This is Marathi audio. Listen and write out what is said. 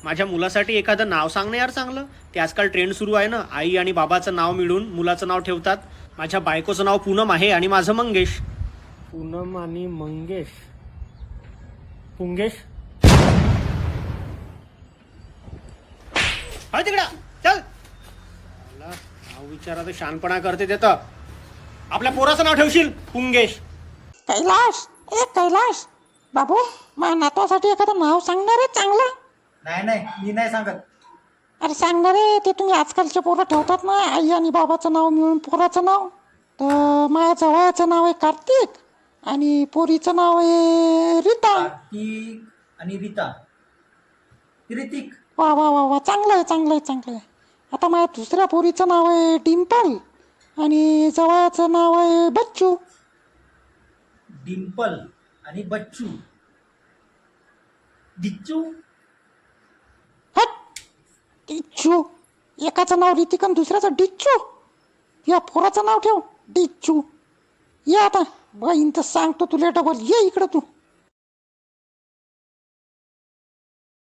माझ्या मुलासाठी एखादं नाव सांग ना यार चांगलं. ते आजकाल ट्रेंड सुरू आहे ना, आई आणि बाबाचं नाव मिळून मुलाचं नाव ठेवतात. माझ्या बायकोचं नाव पूनम आहे आणि माझं मंगेश. पूनम आणि मंगेश. पुंगेश. हळ तिकडा चल. नाव विचारा तर शानपणा करते देतं. आपल्या पोराचं नाव ठेवशील पुंगेश. कैलाश, ए कैलाश बाबू, माझ्या नातवासाठी एखादं नाव सांगणार आहे चांगलं. नाही मी नाही सांगत. अरे सांगणार आहे ते, तुम्ही आजकालचे पोरं ठेवतात ना आई आणि बाबाचं नाव मिळून पोराचं नाव. तर माझ्या जवळचं नाव आहे कार्तिक आणि पोरीचं नाव आहे रीता. कार्तिक आणि रीता. ऋतिक. वा वा वा वा, चांगलं आहे चांगलं आहे चांगलं आहे. आता माझ्या दुसऱ्या पोरीचं नाव आहे डिम्पल आणि जवळचं नाव आहे बच्चू. डिम्पल आणि बच्चू. डिच्चू. हट, डिच्चू. एकाचं नाव ऋतिक आणि दुसऱ्याचं डिच्चू. या पोराचं नाव ठेव डिच्चू. ये आता बहीण तर सांगतो तुला डबल. ये इकडं तू.